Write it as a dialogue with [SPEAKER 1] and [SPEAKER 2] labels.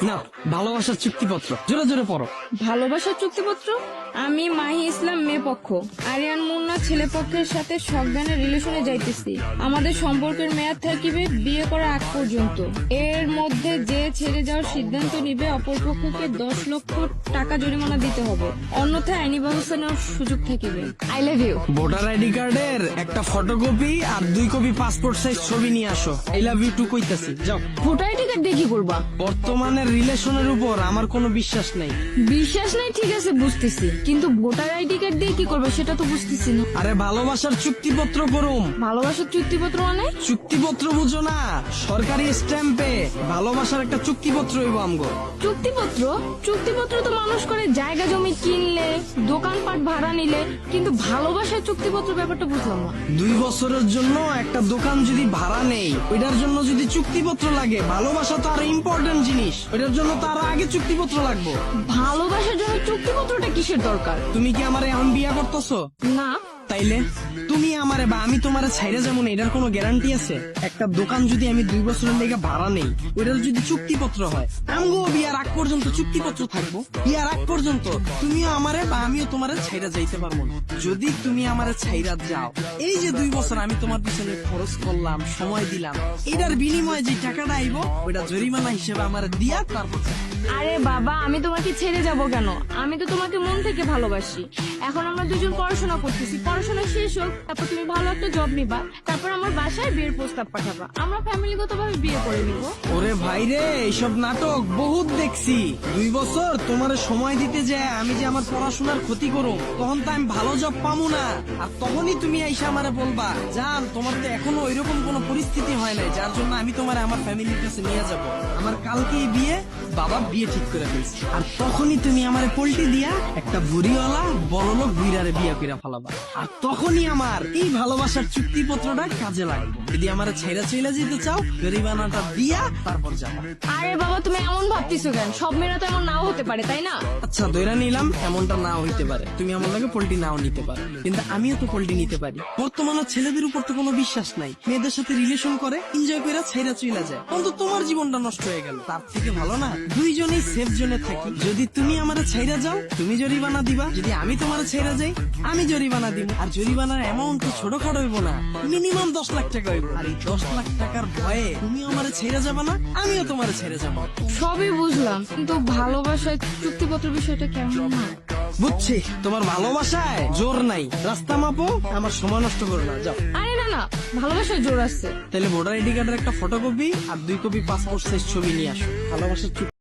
[SPEAKER 1] না, ভালোবাসার চুক্তিপত্র জোরে জোরে পড়ো।
[SPEAKER 2] ভালোবাসার চুক্তিপত্র। আমি মাহি ইসলাম মেয়ে পক্ষ, আরিয়ান মুন্না ছেলে পক্ষের সাথে সজ্ঞানের রিলেশনে যাইতেছি। আমাদের সম্পর্কের মেয়াদ থাকিবে বিয়ে করার আগ পর্যন্ত। এর মধ্যে যে ছেড়ে যাওয়ার সিদ্ধান্ত নিবে অপরপক্ষকে 10 লক্ষ টাকা জরিমানা দিতে হবে, অন্যথায় আইনি ব্যবস্থা নেওয়ার সুযোগ থাকিবে। I love you.
[SPEAKER 1] Voter ID কার্ডের একটা ফটোকপি আর 2 কপি পাসপোর্ট সাইজ ছবি নিয়ে আসো। আই লাভ ইউ টু কইতাছি, যাও।
[SPEAKER 2] ভোটার আইডি কার্ড দিয়ে কি করবা?
[SPEAKER 1] বর্তমানের রিলেশনের উপর আমার কোনো বিশ্বাস নাই।
[SPEAKER 2] বিশ্বাস নাই ঠিক আছে বুঝতেছি, কিন্তু ভোটার আইডি কার্ড দিয়ে কি করবে সেটা তো বুঝতেছি না।
[SPEAKER 1] আরে ভালোবাসার চুক্তিপত্র করুম।
[SPEAKER 2] ভালোবাসার চুক্তিপত্র মানে?
[SPEAKER 1] চুক্তিপত্র বুঝো না? সরকারি স্ট্যাম্পে ভালোবাসার একটা চুক্তিপত্র হইব আমগো।
[SPEAKER 2] চুক্তিপত্র? চুক্তিপত্র তো মানুষ করে জায়গা জমি কিনলে, দোকানপাট ভাড়া নিলে, কিন্তু ভালোবাসার চুক্তিপত্র ব্যাপারটা বুঝলাম না।
[SPEAKER 1] 2 বছরের জন্য একটা দোকান যদি ভাড়া নেই, ওইটার জন্য যদি চুক্তিপত্র লাগে, ভালোবাসা তো আরো ইম্পর্টেন্ট জিনিস, ওইটার জন্য তো আরো আগে চুক্তিপত্র লাগবে।
[SPEAKER 2] ভালোবাসার জন্য চুক্তিপত্রটা কিসের দরকার?
[SPEAKER 1] তুমি কি আমারে এখন বিয়া করতেছো?
[SPEAKER 2] না।
[SPEAKER 1] তাইলে তুমি আমারে বা আমি তোমারে ছাইরে যেমন এটার কোনো গ্যারান্টি আছে? একটা দোকান যদি আমি 2 বছরের লেগে ভাড়া নেই, ওইটার যদি চুক্তিপত্র হয়, আমগো বিয়ার আগ পর্যন্ত চুক্তিপত্র থাকবো। বিয়ার আগ পর্যন্ত তুমিও আমারে বা আমিও তোমারে ছাইরা যাইতে পারবো না। যদি তুমি আমারে ছাইরা যাও, এই যে 2 বছর আমি তোমার পিছনে খরচ করলাম, সময় দিলাম, এটার বিনিময়ে যে টাকাটা আইবো, ওইটা জরিমানা হিসেবে আমারে দিয়া তারপর যাও।
[SPEAKER 2] আরে বাবা, আমি তোমাকে ছেড়ে যাব কেন? আমি তো তোমাকে মন থেকে ভালোবাসি। এখন আমরা দুজন পড়াশোনা করতেছি, পড়াশোনা শেষ হোক, তারপর তুমি ভালো একটা জব নিবা, তারপর আমার বাসায় বিয়ের প্রস্তাব পাঠাবা, আমরা ফ্যামিলিগতভাবে বিয়ে করে নিব।
[SPEAKER 1] ওরে ভাই রে, এইসব নাটক বহুত দেখছি। 2 বছর তোমার সময় দিতে যায় আমি যে আমার পড়াশোনার ক্ষতি করো, তখন তো আমি ভালো জব পাবো না। আর তখনই তুমি আইসা আমারে বলবা, জান তোমার তো এখনো ওইরকম কোনো পরিস্থিতি হয় নাই যার জন্য আমি তোমার আমার ফ্যামিলির কাছে নিয়ে যাব। আমার কালকেই বিয়ে, বাবা বিয়ে ঠিক করে ফেলছি। আর তখনই তুমি আমারে পল্টি দিয়া একটা বুড়িওয়ালা বড়লোক বুইরারে বিয়ে কইরা ফেলাবা। আর তখনই আমার এই ভালোবাসার চুক্তিপত্রটা কাজে লাগবে। যদি আমার ছেড়া চইলা যেতে চাও, জরিমানাটা দিয়া তারপর যাবা।
[SPEAKER 2] আরে বাবা, তুমি এমন ভাবতেছো কেন? সব মেয়েরা তো এমন নাও হতে পারে, তাই না?
[SPEAKER 1] আচ্ছা ধইরা নিলাম এমনটা নাও হইতে পারে, তুমি আমার লাগে পোল্টি নাও নিতে পারো, কিন্তু আমিও তো পোল্টি নিতে পারি। বর্তমানে ছেলেদের উপর তো কোনো বিশ্বাস নাই, মেয়েদের সাথে রিলেশন করে এনজয় করে ছেড়া চইলা যায়, অন্তত তোমার জীবনটা নষ্ট হয়ে গেল। তার থেকে ভালো না দুইজনেই সেফ জোনে থাকি। যদি তুমি আমারে ছেড়া যাও, তুমি জরিমানা দিবা, যদি আমি তোমারে ছেড়া যাই, আমি জরিমানা দিব। আর জরিমানার অ্যামাউন্ট তো ছোটখাটো হইব না, মিনিমাম 10 লাখ টাকা হইব। আর এই 10 লাখ টাকার ভয়ে তুমি আমারে ছেড়ে যাবা না, আমিও তোমারে ছেড়ে যাবো।
[SPEAKER 2] সবই বুঝলাম, কিন্তু ভালোবাসার চুক্তিপত্র বিষয়টা কেমন না?
[SPEAKER 1] বুঝছি, তোমার ভালোবাসায় জোর নাই। রাস্তা মাপো, আমার সময় নষ্ট করো না, যাও।
[SPEAKER 2] আরে না না, ভালোবাসার জোর আছে।
[SPEAKER 1] তাহলে ভোটার আইডি কার্ডের একটা ফটোকপি আর 2 কপি পাসপোর্ট সাইজ ছবি নিয়ে আসো। ভালোবাসার